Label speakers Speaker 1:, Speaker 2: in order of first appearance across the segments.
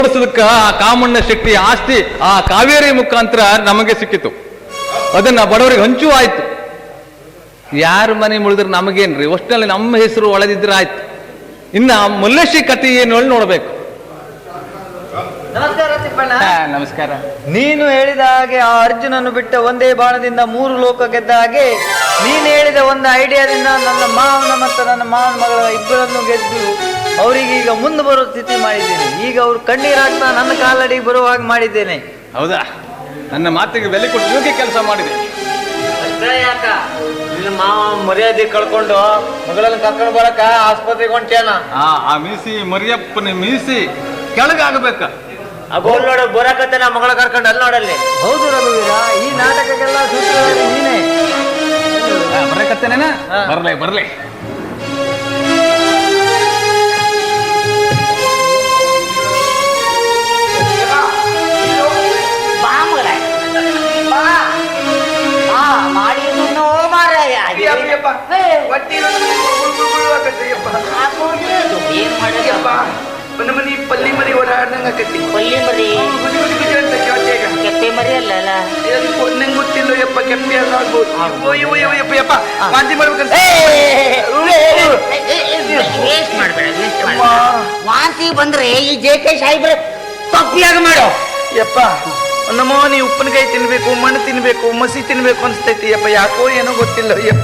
Speaker 1: ಆ ಕಾಮಣ್ಣ ಶೆಟ್ಟಿ ಆಸ್ತಿ ಆ ಕಾವೇರಿ ಮುಖಾಂತರ ನಮಗೆ ಸಿಕ್ಕಿತು. ಅದನ್ನ ಬಡವರಿಗೆ ಹಂಚು ಆಯ್ತು. ಯಾರ ಮನೆ ಮುಳಿದ್ರೆ ನಮಗೇನ್ರಿ, ಒಟ್ಟಿನಲ್ಲಿ ನಮ್ಮ ಹೆಸರು ಒಳದಿದ್ರೆ ಆಯ್ತು. ಇನ್ನ ಮಲ್ಲೇಶಿ ಕಥೆ ಏನು ಹೇಳಿ ನೋಡ್ಬೇಕು.
Speaker 2: ನಮಸ್ಕಾರ ತಿಪ್ಪಣ್ಣ.
Speaker 1: ನಮಸ್ಕಾರ.
Speaker 2: ನೀನು ಹೇಳಿದ ಹಾಗೆ ಆ ಅರ್ಜುನನ್ನು ಬಿಟ್ಟ ಒಂದೇ ಬಾಣದಿಂದ 3 ಲೋಕ ಗೆದ್ದ ಹಾಗೆ ನೀನು ಹೇಳಿದ ಒಂದು ಐಡಿಯಾದಿಂದ ನನ್ನ ಮಾವನ ಮತ್ತು ನನ್ನ ಮಾವನ ಮಗಳ ಇಬ್ಬರನ್ನು ಗೆದ್ದು ಅವರಿಗೆ ಈಗ ಮುಂದೆ ಬರೋ ಸ್ಥಿತಿ ಮಾಡಿದ್ದೇನೆ. ಈಗ ಅವರು ಕಣ್ಣೀರಾಗ್ತಾ ನನ್ನ ಕಾಲಡಿಗೆ ಬರುವಾಗ ಮಾಡಿದ್ದೇನೆ.
Speaker 1: ಹೌದಾ? ನನ್ನ ಮಾತಿಗೆ ಬೆಲೆ ಕೊಟ್ಟು ಯೋಗ್ಯ ಕೆಲಸ ಮಾಡಿದೆ.
Speaker 2: ಅಷ್ಟೇ ಯಾಕ ನಿನ್ನ ಮಾವ ಮರ್ಯಾದೆ ಕಳ್ಕೊಂಡು ಮಗಳನ್ನು ಕರ್ಕೊಂಡು ಬರಕ ಆಸ್ಪತ್ರೆಗೆ ಹೊಂಟೇನ?
Speaker 1: ಆ ಮೀಸಿ ಮರಿಯಪ್ಪನ ಮೀಸಿ ಕೆಳಗಾಗಬೇಕ.
Speaker 2: ಅಗೋಲ್ ನೋಡು ಬರಕತ್ತೆ ನಾ ಮಗಳ ಕರ್ಕೊಂಡು ಅಲ್ಲಿ ನೋಡಲ್ಲಿ. ಹೌದು ರಘುವೀರ, ಈ ನಾಟಕಕ್ಕೆಲ್ಲ ಸೂತ್ರಧಾರಿ ನೀನೇ.
Speaker 1: ಬರಕತ್ತೇನೇನ? ಬರ್ಲಿ ಬರ್ಲಿ.
Speaker 3: ಮನಿ ಪಲ್ಲಿ ಮರಿ ಓಡಾಡ್ದಂಗ ಆಕತಿ.
Speaker 4: ಪಲ್ಲಿ ಮರಿ
Speaker 3: ಅಂತ
Speaker 4: ಕೆಪ್ಪೆ ಮರಿ ಅಲ್ಲ
Speaker 3: ನಂಗೆ ಗೊತ್ತಿಲ್ಲ ಯಪ್ಪ. ಕೆಪ್ಪಿ ಅಲ್ಲ ಆಗ್ಬೋದು. ಯಪ್ಪ ಯಪ್ಪ ವಾಂತಿ ಮಾಡ್ಬೇಕಂತ.
Speaker 4: ವೇಸ್ಟ್ ಮಾಡ್ಬೇಡ, ವೇಸ್ಟ್ ಮಾಡ. ವಾಂತಿ ಬಂದ್ರೆ ಈ JK ಸಾಹೇಬ್ರೆ ತಪ್ಪಿಯಾಗ ಮಾಡೋ.
Speaker 3: ಯಪ್ಪ ನಮ್ಮೋ ನೀ ಉಪ್ಪಿನಕಾಯಿ ತಿನ್ಬೇಕು, ಮಣ್ಣು ತಿನ್ಬೇಕು, ಮಸಿ ತಿನ್ಬೇಕು ಅನ್ಸ್ತೈತಿ ಯಪ್ಪ. ಯಾಕೋ ಏನೋ ಗೊತ್ತಿಲ್ಲ ಯಪ್ಪ.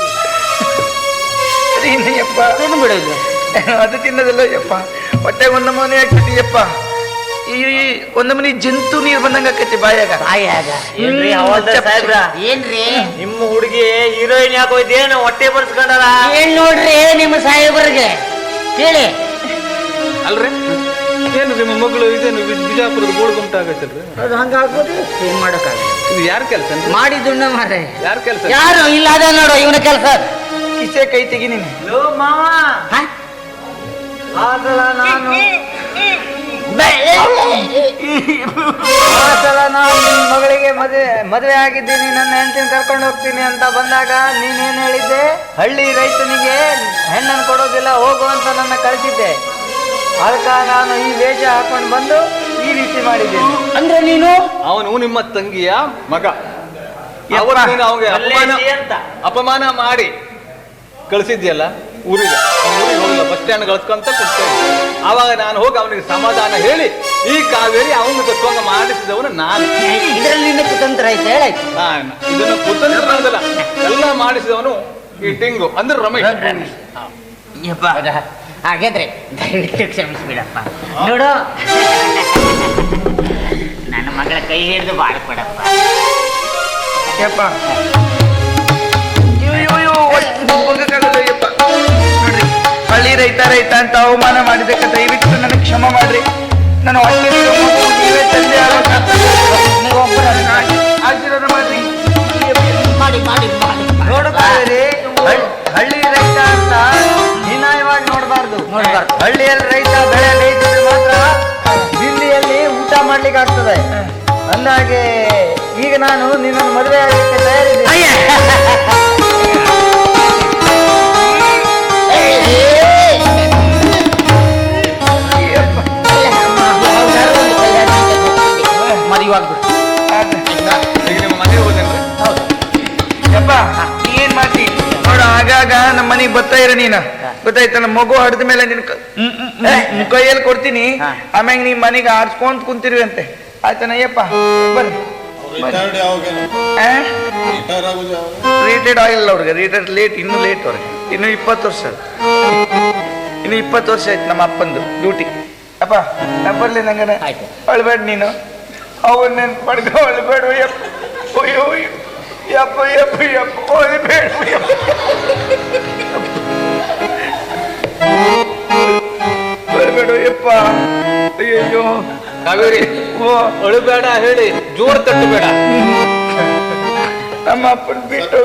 Speaker 3: ಯಪ್ಪ
Speaker 4: ತಿನ್ಬಿಡೋದು
Speaker 3: ಅದು ತಿನ್ನೋದಿಲ್ಲ ಯಪ್ಪ. ಹೊಟ್ಟೆ ಒಂದು ಮನೆ ಆಗ್ತೈತಿ ಯಪ್ಪ. ಈ ಒಂದು ಮನಿ ಜಂತು ನೀರ್ ಬಂದಂಗ ಆಕೈತಿ ಬಾಯಾಗ.
Speaker 4: ಏನ್ರಿ
Speaker 2: ನಿಮ್ಮ ಹುಡುಗಿ ಹೀರೋಯಿನ್ ಯಾಕೋ ಇದೇನು ಹೊಟ್ಟೆ ಬರ್ಸ್ಕೊಂಡಲ್ಲ?
Speaker 4: ಏನ್ ನೋಡ್ರಿ ನಿಮ್ಮ ಸಾಹೇಬ್ರಿಗೆ ಕೇಳಿ.
Speaker 1: ಅಲ್ರಿ ಏನು ನಿಮ್ಮ ಮಗಳು ಇದೇನು ಬಿಜಾಪುರದ ಗೋಳು ಗುಂಟ ಆಗತ್ತಲ್ರಿ?
Speaker 4: ಅದು ಹಂಗಾಗ್ಬೋದು, ಏನ್ ಮಾಡೋಕ್ಕಾಗಲ್ಲ.
Speaker 1: ಇದು ಯಾರ ಕೆಲಸ?
Speaker 4: ಮಾಡಿದುಣ್ಣ ಮಾರ್ರೆ.
Speaker 1: ಯಾರ ಕೆಲಸ?
Speaker 4: ಯಾರು ಇಲ್ಲ ಅದ ನೋಡು ಇವನ ಕೆಲಸ.
Speaker 3: ಕಿಸೆ ಕೈ ತೆಗಿ ನೀನು.
Speaker 2: ಲೋ ಮಾವ, ಆಸಲ ನಾನು ನಿನ್ನ ಮಗಳಿಗೆ ಮದುವೆ ಆಗಿದ್ದೀನಿ, ನನ್ನ ಹೆಂಡತಿನ ಕರ್ಕೊಂಡು ಹೋಗ್ತೀನಿ ಅಂತ ಬಂದಾಗ ನೀನೇನು ಹೇಳಿದ್ದೆ? ಹಳ್ಳಿ ರೈತನಿಗೆ ಹೆಣ್ಣನ್ನು ಕೊಡೋದಿಲ್ಲ, ಹೋಗು ಅಂತ ನನ್ನ ಕಳಿಸಿದ್ದೆ. ಅದಕ್ಕ ನಾನು ಈ ವೇಷ ಹಾಕೊಂಡು ಬಂದು ಈ ರೀತಿ ಮಾಡಿದ್ದೇನೆ.
Speaker 4: ಅಂದ್ರೆ ನೀನು
Speaker 1: ಅವನು ನಿಮ್ಮ ತಂಗಿಯ ಮಗ. ಅಪಮಾನ ಮಾಡಿ ಕಳಿಸಿದ್ಯಲ್ಲ ಊರಿಗೆ. ಊರಿಗೆ ಹೋಗಿಲ್ಲ, ಬಸ್ ಸ್ಟ್ಯಾಂಡ್ ಕಳ್ಸ್ಕೊಂತ ಕೊಡ್ತೇನೆ. ಆವಾಗ ನಾನು ಹೋಗಿ ಅವನಿಗೆ ಸಮಾಧಾನ ಹೇಳಿ ಈ ಕಾವೇರಿ ಅವನು ತಕ್ಕೊಂಡ ಮಾಡಿಸಿದವನು ನಾನು.
Speaker 4: ಇದರಲ್ಲಿ ನಿನ್ನ ಕುತಂತ್ರ ಐತೆ ಹೇಳಾಯ್ತು.
Speaker 1: ಇದನ್ನು ಕುತಂತ್ರ ಅನ್ನೋದಲ್ಲ, ಎಲ್ಲ ಮಾಡಿಸಿದವನು ಈ ಟಿಂಗು ಅಂದ್ರೆ ರಮೇಶ್.
Speaker 4: ಹಾಗಾದ್ರೆ ದಯವಿಟ್ಟು ಕ್ಷಮಿಸ್ಬಿಡಪ್ಪ. ನೋಡು ನನ್ನ ಮಗಳ ಕೈ ಹಿಡಿದು ಬಾಳ್ಕೊಡಪ್ಪ.
Speaker 3: ಯಪ್ಪ ಯಪ್ಪ ನೋಡ್ರಿ, ಹಳ್ಳಿ ರೈತ ಅಂತ ಅವಮಾನ ಮಾಡಿದಕ್ಕೆ ದಯವಿಟ್ಟು ನನಗೆ ಕ್ಷಮ ಮಾಡ್ರಿ. ನಾನು ಹೊಟ್ಟೆ ನೀವೇ ತಂದೆ ಆಶೀರ್ವಾದ ಮಾಡ್ರಿ.
Speaker 4: ಮಾಡಿ ಮಾಡಿ ಮಾಡಿ
Speaker 2: ನೋಡು ಕಾವೇರಿ, ಹಳ್ಳಿ ರೈತ ಅಂತ ಹೀನಾಯವಾಗಿ ನೋಡಬಾರ್ದು. ಹಳ್ಳಿಯಲ್ಲಿ ರೈತ ಬೆಳೆ ಬೇಯಿಸಿದ್ರೆ ಮಾತ್ರ ದಿಲ್ಲಿಯಲ್ಲಿ ಊಟ ಮಾಡ್ಲಿಕ್ಕೆ ಆಗ್ತದೆ. ಅಂದಾಗೆ ಈಗ ನಾನು ನಿನ್ನನ್ನು ಮದುವೆ ಆಗಲಿಕ್ಕೆ ತಯಾರಿದ್ದೀನಿ.
Speaker 3: ಯಪ್ಪ ಏನ್ ಮಾಡ್ತಿ ನೋಡು, ಆಗಾಗ ನಮ್ಮ ಮನೆಗೆ ಬರ್ತಾ ಇರ ನೀನು, ಗೊತ್ತಾಯ್ತ? ನಮ್ಮ ಮಗು ಹಡ್ದ ಮೇಲೆ ನಿನ್ ಕೈಯಲ್ಲಿ ಕೊಡ್ತೀನಿ. ಆಮ್ಯಾಗ ನೀ ಮನೆಗೆ ಆಡ್ಸ್ಕೊಂತ ಕುಂತಿರುವೆ ಅಂತೆ. ಆಯ್ತಾನಯ್ಯಪ್ಪ ಬರ್ರಿ. ರಿಟೈರ್ಡ್ ಆಗಿಲ್ಲ ಅವ್ರಿಗೆ, ರಿಟೈರ್ಡ್ ಲೇಟ್, ಇನ್ನೂ ಲೇಟ್ ಅವ್ರಿಗೆ. ಇನ್ನು 20 ವರ್ಷ, ಇನ್ನು 20 ವರ್ಷ ಆಯ್ತು ನಮ್ಮ ಅಪ್ಪಂದು ಡ್ಯೂಟಿ. ಅಪ್ಪ ನಾ ಬರ್ಲಿ, ನಂಗನ ಅಳ್ಬೇಡ ನೀನು. ಅವನ್ ನೆನ್ಪು ಮಾಡ್ಕೊ, ಅಳ್ಬೇಡ ಯಪ್ಪ. ಅಯ್ಯೋ ಯಪ್ಪ ಯಪ್ಪ ಯಪ್ಪ ಅಳ್ಬೇಡ ಅಳ್ಬೇಡ ಯಪ್ಪ. ಅಯ್ಯಯ್ಯೋ
Speaker 1: ಕಾವೇರಿ, ಅಳುಬೇಡ ಹೇಳಿ ಜೋರ್ ತಟ್ಟಬೇಡ.
Speaker 3: ನಮ್ಮ ಅಪ್ಪನ ಬಿಟ್ಟು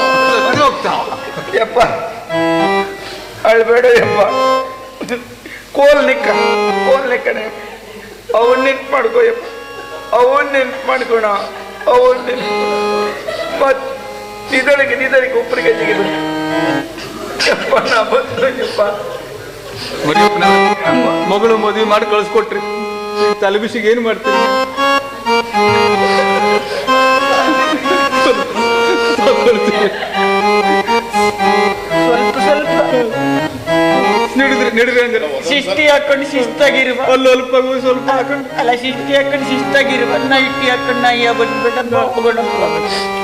Speaker 3: ಯಪ್ಪ ಅಳ್ಬೇಡ ಯಪ್ಪ. ಕೋಲ್ ನಿಕ್ಕಣೆ ಅವನ್ ನೆನ್ಪು ಮಾಡ್ಕೋ ಯಪ್ಪ. ಅವನ್ ನೆನ್ಪು ಮಾಡ್ಕೋಣ, ಅವನ್ ನೆನ್ಪು ಮತ್ ನಿದಳಿಗೆ ಉಪ್ಪರಿಗೆ ಜಿಗಿದು ಯಪ್ಪ. ನಾ ಬಂದಪ್ಪ
Speaker 1: ಮಗಳು ಮದುವೆ ಮಾಡಿ ಕಳಿಸ್ಕೊಟ್ರಿ. ತಲೆಬಿಸಿಗೆ ಏನು ಮಾಡ್ತೀರಿ?
Speaker 2: ಸ್ವಲ್ಪ ಸ್ವಲ್ಪ
Speaker 1: ನಡಿದ್ರಿ ಅಂದ್ರೆ
Speaker 2: ಶಿಸ್ತಿ ಹಾಕೊಂಡು ಶಿಸ್ತಾಗಿರುವ,
Speaker 1: ಅಲ್ಲಿ ಅಲ್ಪ ಸ್ವಲ್ಪ ಹಾಕೊಂಡು
Speaker 2: ಅಲ್ಲ ಶಿಸ್ತಿ ಹಾಕೊಂಡು ಶಿಸ್ತಾಗಿರುವ, ನೈಟಿ ಹಾಕೊಂಡು ನಾಯಿಯ ಬಂದ್ಬಿಟ್ಟು